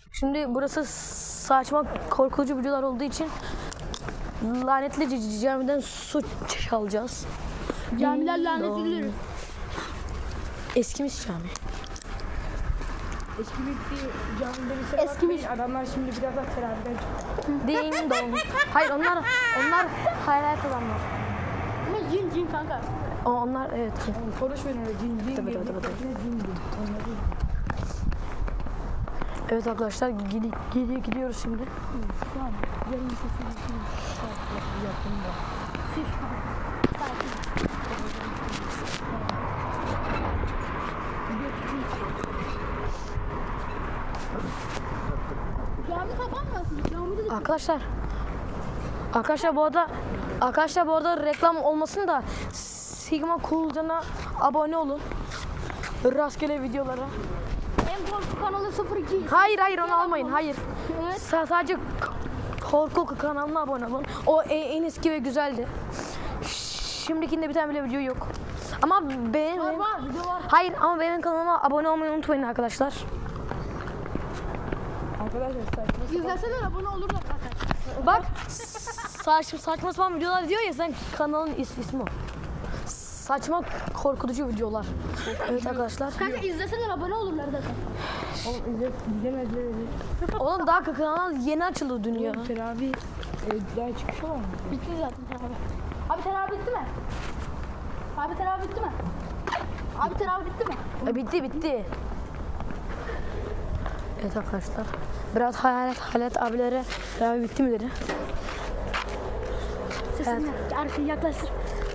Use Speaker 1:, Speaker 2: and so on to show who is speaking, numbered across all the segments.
Speaker 1: Şimdi burası saçma korkutucu videolar olduğu için lanetli camiden su çalacağız.
Speaker 2: Camiler lanetlidir.
Speaker 1: Eskimiş cami.
Speaker 3: Eskimiş camide
Speaker 2: Eskimiş.
Speaker 3: Adamlar şimdi biraz daha teraviden çıktı.
Speaker 1: Ding dong. Hayır onlar hayal adamlar.
Speaker 2: Ama cin kanka.
Speaker 1: Onlar evet.
Speaker 3: Konuşmayın öyle cin
Speaker 1: Tabii,
Speaker 3: cin.
Speaker 1: tabii, tabii.
Speaker 3: Ne cin cin.
Speaker 1: Evet arkadaşlar gidiyoruz şimdi.
Speaker 3: Yarın bir şey yaptım da.
Speaker 2: Cami kapanmasın. Camide de
Speaker 1: Arkadaşlar bu arada reklam olmasın da Sigma Coolcan'a abone olun. Rastgele videolara.
Speaker 2: en korku kanalı 02.
Speaker 1: Hayır onu almayın. Hayır.
Speaker 2: Evet.
Speaker 1: Sadece korku kanalına abone olun. O en eski ve güzeldi. Şimdikinde bir tane bile video yok. Ama benim
Speaker 2: Var video var.
Speaker 1: Hayır ama benim kanalıma abone olmayı unutmayın arkadaşlar.
Speaker 3: Arkadaşlar saçma.
Speaker 2: İzleseler abone olurlar zaten.
Speaker 1: Bak saçma sapan videolar diyor ya, sen kanalın ismi o. Saçma korkutucu videolar. Evet arkadaşlar.
Speaker 2: Kanka izleseler abone olurlar zaten.
Speaker 3: Oğlum izlemezler.
Speaker 1: Oğlum daha kanal yeni açıldı dünya.
Speaker 3: Teravih daha çıkış var mı?
Speaker 2: Bitti zaten teravih. Abi teravih bitti mi? Abi teravih bitti mi? Abi teravih bitti mi?
Speaker 1: Bitti. Evet arkadaşlar. Biraz hayalet abilere teravih bitti mi dedi.
Speaker 2: Sesini arkaya yaklaştır.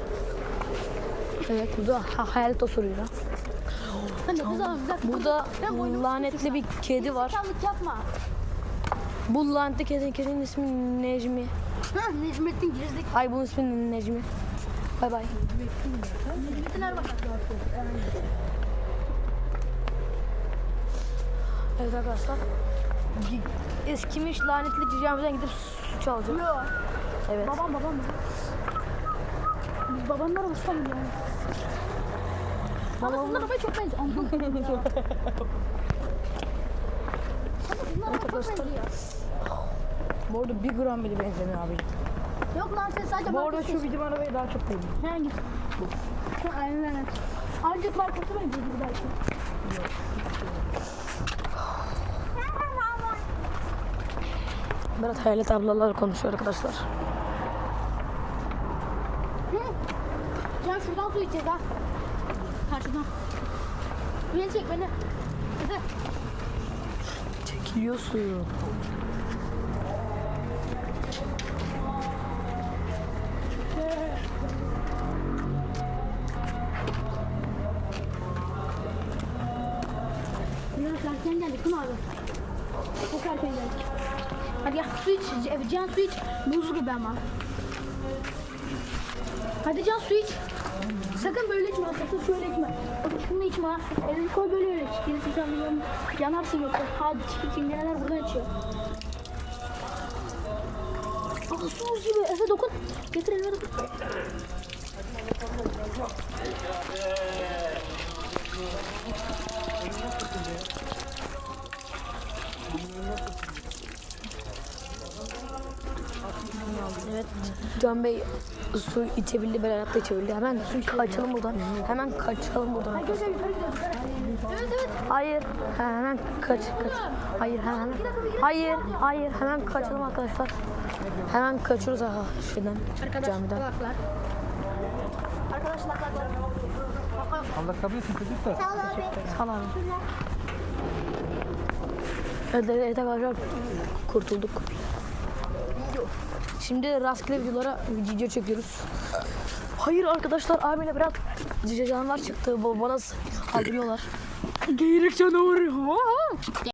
Speaker 1: Evet burada hayalet osuruyor.
Speaker 2: Sen de kız abi bir dakika.
Speaker 1: Burada
Speaker 2: Ben boynumu
Speaker 1: lanetli bir kedi var.
Speaker 2: Gerizekalık yapma.
Speaker 1: Bu lanetli kedinin ismi Necmi.
Speaker 2: Ha Necmettin girizlik.
Speaker 1: Ay bunun ismi Necmi. Bay bay.
Speaker 2: Necmettin Erbakan.
Speaker 1: Evet arkadaşlar. Eskimiş lanetli camiden gidip su çalacağım.
Speaker 2: Yok.
Speaker 1: Evet.
Speaker 2: Babam. Biz babamlar olsa mı yani? Ama sizin arabaya çok benziyor. Aman Allah'ım ya. Ama sizin arabaya çok benziyor.
Speaker 3: Bu arada 1 gram bile benzemiyor abi.
Speaker 2: Yok lan sen sadece
Speaker 3: Bu arada
Speaker 2: markası
Speaker 3: şu bizim arabaya daha çok benziyor.
Speaker 2: Hangi? Aynen. Ancak markası benziyordu belki.
Speaker 1: Berat hayalet ablalar konuşuyor arkadaşlar.
Speaker 2: Can şuradan su içeceğiz ha. Karşıdan. Beni çek beni. Hadi.
Speaker 1: Çekiliyor suyu.
Speaker 2: Biraz erken geldik değil mi abi? Çok erken geldik. Hadi gel su iç. Can su iç. Buz gibi ama. Hadi Can su iç. Sakın böyle içme. Sakın şöyle içme. Bak şunu içme ha. Elini koy böyle öyle iç. Gerisi sen biliyorum. Yanarsın yoksa. Hadi çıkın çingeneler buradan içiyor. Aa su buz gibi. Efe dokun. Getir elime dokun.
Speaker 1: Evet. Can Bey su içebildi, Berat da içebildi. Hemen kaçalım buradan. Hemen kaçalım buradan.
Speaker 2: Arkadaşlar yukarı gidiyoruz. Evet.
Speaker 1: Hayır. Hemen kaç. Hayır hemen. Hayır hemen kaçalım arkadaşlar. Hemen kaçıyoruz şeyden, camiden.
Speaker 2: Kulaklar. Arkadaşlar kulaklar.
Speaker 4: Allah kabul etsin çocuklar.
Speaker 2: Sağ ol abi.
Speaker 1: Sağ olun. Evet arkadaşlar kurtulduk. Şimdi rastgele videolara video çekiyoruz. Hayır arkadaşlar abiyle biraz canavar çıktı. Bana saldırıyorlar. Geyrek canavarı.